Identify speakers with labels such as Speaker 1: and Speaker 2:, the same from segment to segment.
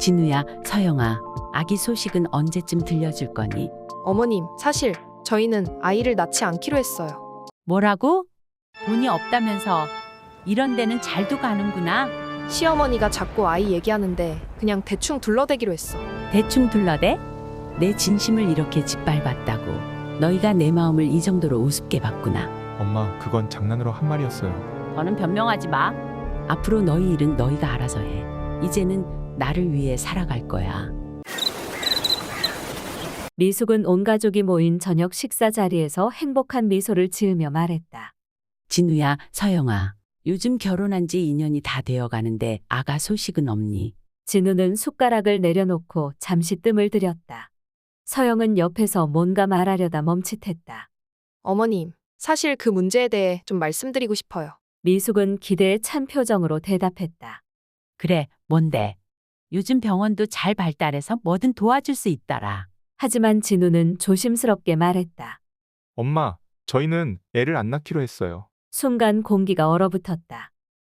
Speaker 1: 진우야, 서영아, 아기 소식은 언제쯤 들려줄 거니?
Speaker 2: 어머님, 사실 저희는 아이를 낳지 않기로 했어요.
Speaker 1: 뭐라고? 돈이 없다면서 이런 데는 잘도 가는구나.
Speaker 2: 시어머니가 자꾸 아이 얘기하는데 그냥 대충 둘러대기로 했어.
Speaker 1: 대충 둘러대? 내 진심을 이렇게 짓밟았다고. 너희가 내 마음을 이 정도로 우습게 봤구나.
Speaker 3: 엄마, 그건 장난으로 한 말이었어요.
Speaker 1: 더는 변명하지 마. 앞으로 너희 일은 너희가 알아서 해. 이제는 나를 위해 살아갈 거야.
Speaker 4: 미숙은 온 가족이 모인 저녁 식사 자리에서 행복한 미소를 지으며 말했다.
Speaker 1: 진우야, 서영아, 요즘 결혼한 지 2년이 다 되어 가는데 아가 소식은 없니?
Speaker 4: 진우는 숟가락을 내려놓고 잠시 뜸을 들였다. 서영은 옆에서 뭔가 말하려다 멈칫했다.
Speaker 2: 어머님, 사실 그 문제에 대해 좀 말씀드리고 싶어요.
Speaker 4: 미숙은 기대에 찬 표정으로 대답했다.
Speaker 1: 그래, 뭔데? 요즘 병원도 잘 발달해서 뭐든 도와줄 수 있더라.
Speaker 4: 하지만 진우는 조심스럽게 말했다.
Speaker 3: 엄마, 저희는 애를 안 낳기로 했어요.
Speaker 4: 순간 공기가 얼어붙었다.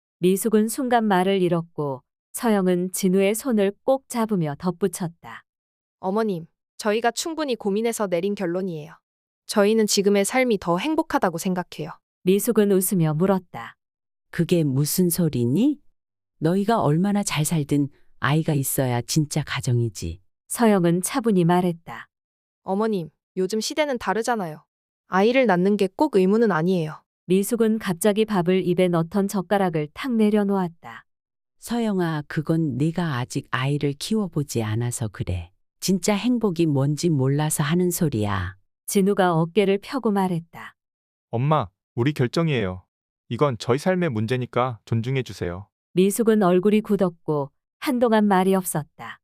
Speaker 4: 미숙은 순간 말을 잃었고 서영은 진우의 손을 꼭 잡으며 덧붙였다.
Speaker 2: 어머님, 저희가 충분히 고민해서 내린 결론이에요. 저희는 지금의 삶이 더 행복하다고 생각해요.
Speaker 4: 미숙은 웃으며 물었다.
Speaker 1: 그게 무슨 소리니? 너희가 얼마나 잘 살든 아이가 있어야 진짜 가정이지.
Speaker 4: 서영은 차분히 말했다.
Speaker 2: 어머님, 요즘 시대는 다르잖아요. 아이를 낳는 게 꼭 의무는 아니에요.
Speaker 4: 미숙은 갑자기 밥을 입에 넣던 젓가락을 탁 내려놓았다.
Speaker 1: 서영아, 그건 네가 아직 아이를 키워보지 않아서 그래. 진짜 행복이 뭔지 몰라서 하는 소리야.
Speaker 4: 진우가 어깨를 펴고 말했다.
Speaker 3: 엄마, 우리 결정이에요. 이건 저희 삶의 문제니까 존중해 주세요.
Speaker 4: 미숙은 얼굴이 굳었고 한동안 말이 없었다.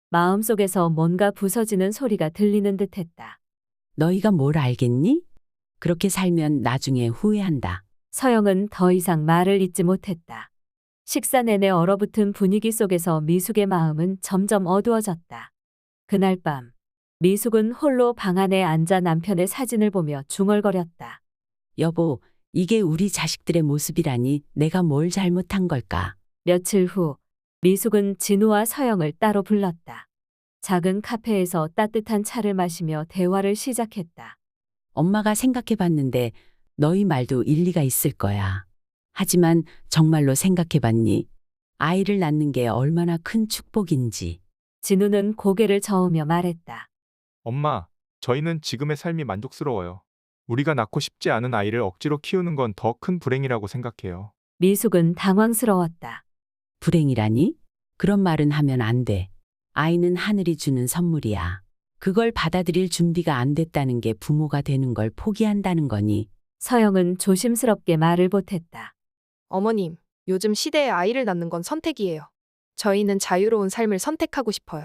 Speaker 4: 마음속에서 뭔가 부서지는 소리가 들리는 듯했다.
Speaker 1: 너희가 뭘 알겠니? 그렇게 살면 나중에 후회한다.
Speaker 4: 서영은 더 이상 말을 잇지 못했다. 식사 내내 얼어붙은 분위기 속에서 미숙의 마음은 점점 어두워졌다. 그날 밤 미숙은 홀로 방 안에 앉아 남편의 사진을 보며 중얼거렸다.
Speaker 1: 여보, 이게 우리 자식들의 모습이라니 내가 뭘 잘못한 걸까?
Speaker 4: 며칠 후 미숙은 진우와 서영을 따로 불렀다. 작은 카페에서 따뜻한 차를 마시며 대화를 시작했다.
Speaker 1: 엄마가 생각해 봤는데 너희 말도 일리가 있을 거야. 하지만 정말로 생각해 봤니? 아이를 낳는 게 얼마나 큰 축복인지.
Speaker 4: 진우는 고개를 저으며 말했다.
Speaker 3: 엄마, 저희는 지금의 삶이 만족스러워요. 우리가 낳고 싶지 않은 아이를 억지로 키우는 건 더 큰 불행이라고 생각해요.
Speaker 4: 미숙은 당황스러웠다.
Speaker 1: 불행이라니? 그런 말은 하면 안 돼. 아이는 하늘이 주는 선물이야. 그걸 받아들일 준비가 안 됐다는 게 부모가 되는 걸 포기한다는 거니.
Speaker 4: 서영은 조심스럽게 말을 보탰다.
Speaker 2: 어머님, 요즘 시대에 아이를 낳는 건 선택이에요. 저희는 자유로운 삶을 선택하고 싶어요.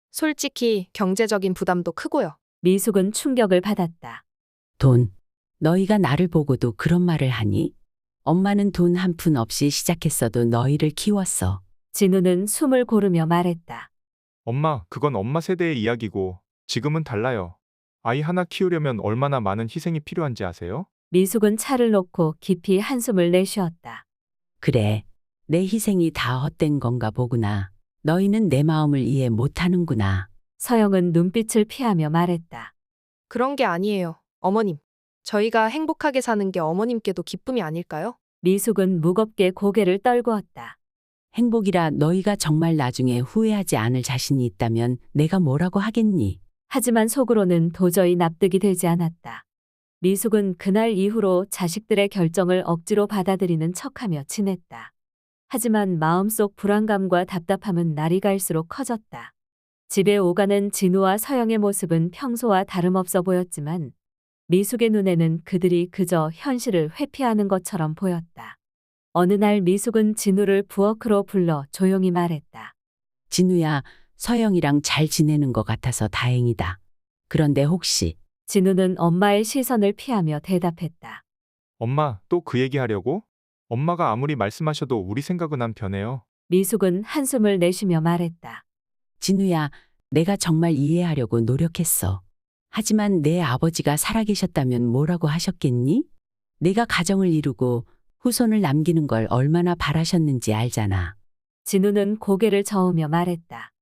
Speaker 2: 솔직히 경제적인 부담도 크고요.
Speaker 4: 미숙은 충격을 받았다.
Speaker 1: 돈. 너희가 나를 보고도 그런 말을 하니? 엄마는 돈 한 푼 없이 시작했어도 너희를 키웠어.
Speaker 4: 진우는 숨을 고르며 말했다.
Speaker 3: 엄마, 그건 엄마 세대의 이야기고 지금은 달라요. 아이 하나 키우려면 얼마나 많은 희생이 필요한지 아세요?
Speaker 4: 미숙은 차를 놓고 깊이 한숨을 내쉬었다.
Speaker 1: 그래. 내 희생이 다 헛된 건가 보구나. 너희는 내 마음을 이해 못하는구나.
Speaker 4: 서영은 눈빛을 피하며 말했다.
Speaker 2: 그런 게 아니에요, 어머님. 저희가 행복하게 사는 게 어머님께도 기쁨이 아닐까요?
Speaker 4: 미숙은 무겁게 고개를 떨구었다.
Speaker 1: 행복이라 너희가 정말 나중에 후회하지 않을 자신이 있다면 내가 뭐라고 하겠니?
Speaker 4: 하지만 속으로는 도저히 납득이 되지 않았다. 미숙은 그날 이후로 자식들의 결정을 억지로 받아들이는 척하며 지냈다. 하지만 마음속 불안감과 답답함은 날이 갈수록 커졌다. 집에 오가는 진우와 서영의 모습은 평소와 다름없어 보였지만 미숙의 눈에는 그들이 그저 현실을 회피하는 것처럼 보였다. 어느 날 미숙은 진우를 부엌으로 불러 조용히 말했다.
Speaker 1: 진우야, 서영이랑 잘 지내는 것 같아서 다행이다. 그런데 혹시
Speaker 4: 진우는 엄마의 시선을 피하며 대답했다.
Speaker 3: 엄마, 또 그 얘기 하려고? 엄마가 아무리 말씀하셔도 우리 생각은 안 변해요.
Speaker 4: 미숙은 한숨을 내쉬며 말했다.
Speaker 1: 진우야, 내가 정말 이해하려고 노력했어. 하지만 내 아버지가 살아계셨다면 뭐라고 하셨겠니? 내가 가정을 이루고 후손을 남기는 걸 얼마나 바라셨는지 알잖아.
Speaker 4: 진우는 고개를 저으며 말했다.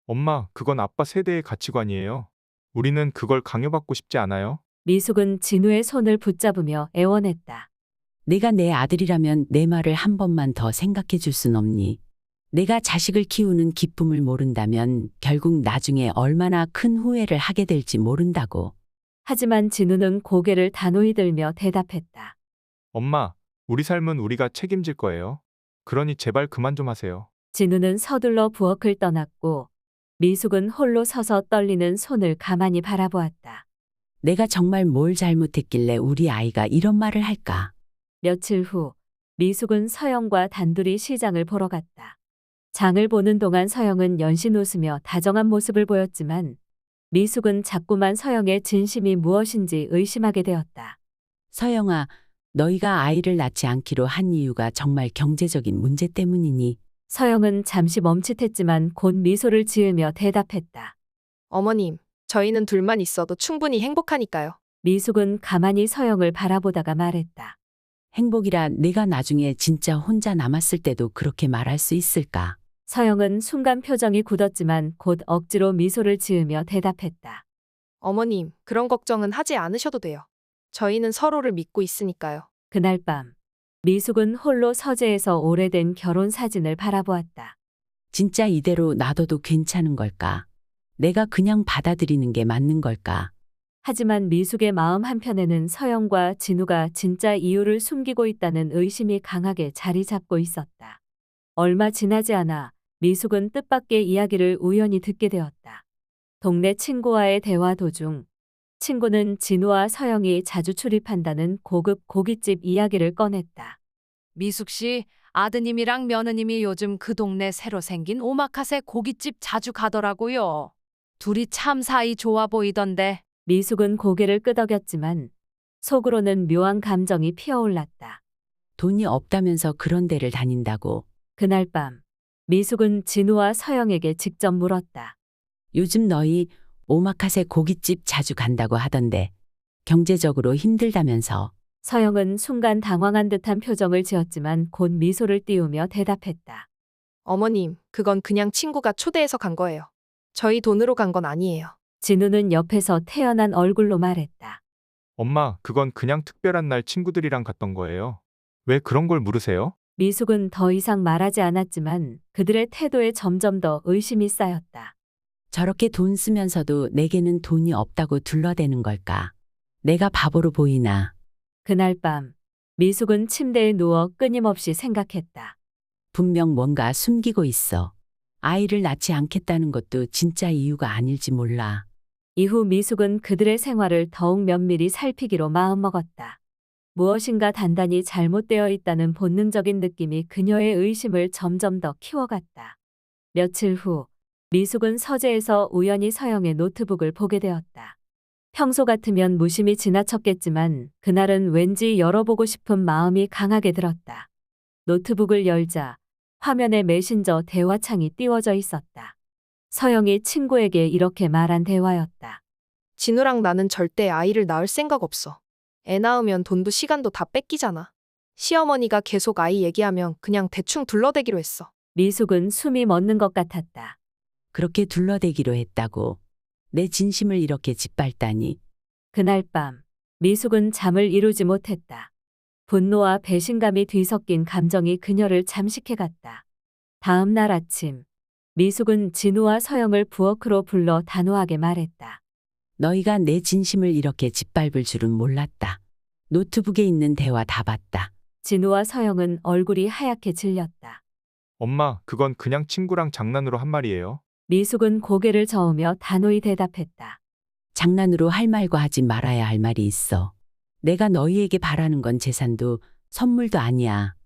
Speaker 3: 엄마, 그건 아빠 세대의 가치관이에요. 우리는 그걸 강요받고 싶지 않아요.
Speaker 4: 미숙은 진우의 손을 붙잡으며 애원했다.
Speaker 1: 내가 내 아들이라면 내 말을 한 번만 더 생각해 줄 순 없니? 내가 자식을 키우는 기쁨을 모른다면 결국 나중에 얼마나 큰 후회를 하게 될지 모른다고.
Speaker 4: 하지만 진우는 고개를 단호히 들며 대답했다.
Speaker 3: 엄마, 우리 삶은 우리가 책임질 거예요. 그러니 제발 그만 좀 하세요.
Speaker 4: 진우는 서둘러 부엌을 떠났고 미숙은 홀로 서서 떨리는 손을 가만히 바라보았다.
Speaker 1: 내가 정말 뭘 잘못했길래 우리 아이가 이런 말을 할까?
Speaker 4: 며칠 후 미숙은 서영과 단둘이 시장을 보러 갔다. 장을 보는 동안 서영은 연신 웃으며 다정한 모습을 보였지만 미숙은 자꾸만 서영의 진심이 무엇인지 의심하게 되었다.
Speaker 1: 서영아, 너희가 아이를 낳지 않기로 한 이유가 정말 경제적인 문제 때문이니?
Speaker 4: 서영은 잠시 멈칫했지만 곧 미소를 지으며 대답했다.
Speaker 2: 어머님, 저희는 둘만 있어도 충분히 행복하니까요.
Speaker 4: 미숙은 가만히 서영을 바라보다가 말했다.
Speaker 1: 행복이라 내가 나중에 진짜 혼자 남았을 때도 그렇게 말할 수 있을까?
Speaker 4: 서영은 순간 표정이 굳었지만 곧 억지로 미소를 지으며 대답했다.
Speaker 2: 어머님, 그런 걱정은 하지 않으셔도 돼요. 저희는 서로를 믿고 있으니까요.
Speaker 4: 그날 밤 미숙은 홀로 서재에서 오래된 결혼 사진을 바라보았다.
Speaker 1: 진짜 이대로 놔둬도 괜찮은 걸까? 내가 그냥 받아들이는 게 맞는 걸까?
Speaker 4: 하지만 미숙의 마음 한편에는 서영과 진우가 진짜 이유를 숨기고 있다는 의심이 강하게 자리 잡고 있었다. 얼마 지나지 않아 미숙은 뜻밖의 이야기를 우연히 듣게 되었다. 동네 친구와의 대화 도중 친구는 진우와 서영이 자주 출입한다는 고급 고깃집 이야기를 꺼냈다.
Speaker 5: 미숙 씨, 아드님이랑 며느님이 요즘 그 동네 새로 생긴 오마카세 고깃집 자주 가더라고요. 둘이 참 사이 좋아 보이던데.
Speaker 4: 미숙은 고개를 끄덕였지만 속으로는 묘한 감정이 피어올랐다.
Speaker 1: 돈이 없다면서 그런 데를 다닌다고.
Speaker 4: 그날 밤 미숙은 진우와 서영에게 직접 물었다.
Speaker 1: 요즘 너희 오마카세 고깃집 자주 간다고 하던데 경제적으로 힘들다면서.
Speaker 4: 서영은 순간 당황한 듯한 표정을 지었지만 곧 미소를 띄우며 대답했다.
Speaker 2: 어머님, 그건 그냥 친구가 초대해서 간 거예요. 저희 돈으로 간 건 아니에요.
Speaker 4: 진우는 옆에서 태연한 얼굴로 말했다.
Speaker 3: 엄마, 그건 그냥 특별한 날 친구들이랑 갔던 거예요. 왜 그런 걸 물으세요?
Speaker 4: 미숙은 더 이상 말하지 않았지만 그들의 태도에 점점 더 의심이 쌓였다.
Speaker 1: 저렇게 돈 쓰면서도 내게는 돈이 없다고 둘러대는 걸까? 내가 바보로 보이나?
Speaker 4: 그날 밤 미숙은 침대에 누워 끊임없이 생각했다.
Speaker 1: 분명 뭔가 숨기고 있어. 아이를 낳지 않겠다는 것도 진짜 이유가 아닐지 몰라.
Speaker 4: 이후 미숙은 그들의 생활을 더욱 면밀히 살피기로 마음먹었다. 무엇인가 단단히 잘못되어 있다는 본능적인 느낌이 그녀의 의심을 점점 더 키워갔다. 며칠 후 미숙은 서재에서 우연히 서영의 노트북을 보게 되었다. 평소 같으면 무심히 지나쳤겠지만 그날은 왠지 열어보고 싶은 마음이 강하게 들었다. 노트북을 열자 화면에 메신저 대화창이 띄워져 있었다. 서영이 친구에게 이렇게 말한 대화였다.
Speaker 2: 진우랑 나는 절대 아이를 낳을 생각 없어. 애 낳으면 돈도 시간도 다 뺏기잖아. 시어머니가 계속 아이 얘기하면 그냥 대충 둘러대기로 했어.
Speaker 4: 미숙은 숨이 멎는 것 같았다.
Speaker 1: 그렇게 둘러대기로 했다고. 내 진심을 이렇게 짓밟다니.
Speaker 4: 그날 밤 미숙은 잠을 이루지 못했다. 분노와 배신감이 뒤섞인 감정이 그녀를 잠식해갔다. 다음 날 아침 미숙은 진우와 서영을 부엌으로 불러 단호하게 말했다.
Speaker 1: 너희가 내 진심을 이렇게 짓밟을 줄은 몰랐다. 노트북에 있는 대화 다 봤다.
Speaker 4: 진우와 서영은 얼굴이 하얗게 질렸다.
Speaker 3: 엄마, 그건 그냥 친구랑 장난으로 한 말이에요.
Speaker 4: 미숙은 고개를 저으며 단호히 대답했다.
Speaker 1: 장난으로 할 말과 하지 말아야 할 말이 있어. 내가 너희에게 바라는 건 재산도 선물도 아니야.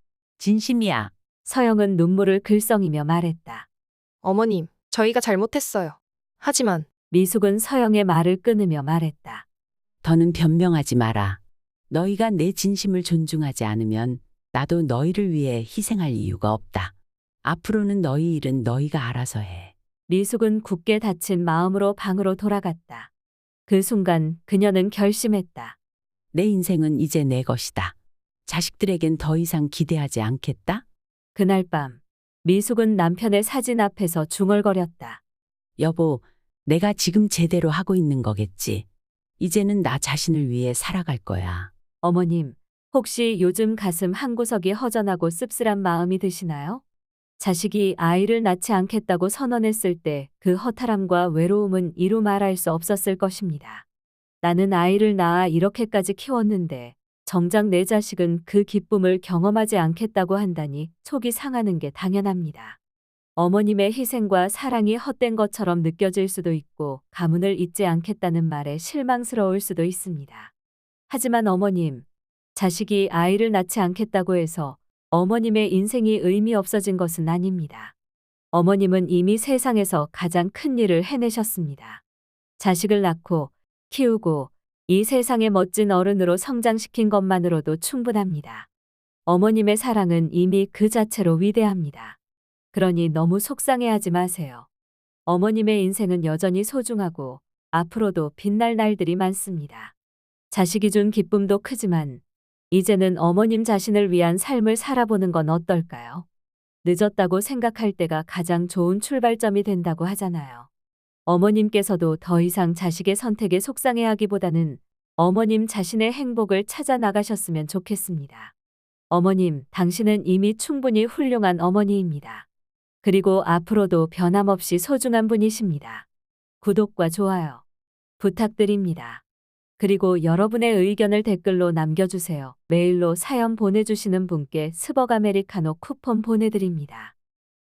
Speaker 1: 진심이야.
Speaker 4: 서영은 눈물을 글썽이며 말했다.
Speaker 2: 어머님, 저희가 잘못했어요. 하지만
Speaker 4: 미숙은 서영의 말을 끊으며 말했다.
Speaker 1: 더는 변명하지 마라. 너희가 내 진심을 존중하지 않으면 나도 너희를 위해 희생할 이유가 없다. 앞으로는 너희 일은 너희가 알아서 해.
Speaker 4: 미숙은 굳게 닫힌 마음으로 방으로 돌아갔다. 그 순간 그녀는 결심했다.
Speaker 1: 내 인생은 이제 내 것이다. 자식들에겐 더 이상 기대하지 않겠다.
Speaker 4: 그날 밤 미숙은 남편의 사진 앞에서 중얼거렸다.
Speaker 1: 여보, 내가 지금 제대로 하고 있는 거겠지. 이제는 나 자신을 위해 살아갈 거야.
Speaker 4: 어머님, 혹시 요즘 가슴 한구석이 허전하고 씁쓸한 마음이 드시나요? 자식이 아이를 낳지 않겠다고 선언했을 때 그 허탈함과 외로움은 이루 말할 수 없었을 것입니다. 나는 아이를 낳아 이렇게까지 키웠는데 정작 내 자식은 그 기쁨을 경험하지 않겠다고 한다니 속이 상하는 게 당연합니다. 어머님의 희생과 사랑이 헛된 것처럼 느껴질 수도 있고 가문을 잇지 않겠다는 말에 실망스러울 수도 있습니다. 하지만 어머님, 자식이 아이를 낳지 않겠다고 해서 어머님의 인생이 의미 없어진 것은 아닙니다. 어머님은 이미 세상에서 가장 큰 일을 해내셨습니다. 자식을 낳고 키우고 이 세상의 멋진 어른으로 성장시킨 것만으로도 충분합니다. 어머님의 사랑은 이미 그 자체로 위대합니다. 그러니 너무 속상해하지 마세요. 어머님의 인생은 여전히 소중하고 앞으로도 빛날 날들이 많습니다. 자식이 준 기쁨도 크지만 이제는 어머님 자신을 위한 삶을 살아보는 건 어떨까요? 늦었다고 생각할 때가 가장 좋은 출발점이 된다고 하잖아요. 어머님께서도 더 이상 자식의 선택에 속상해하기보다는 어머님 자신의 행복을 찾아 나가셨으면 좋겠습니다. 어머님, 당신은 이미 충분히 훌륭한 어머니입니다. 그리고 앞으로도 변함없이 소중한 분이십니다. 구독과 좋아요 부탁드립니다. 그리고 여러분의 의견을 댓글로 남겨주세요. 메일로 사연 보내주시는 분께 스벅 아메리카노 쿠폰 보내드립니다.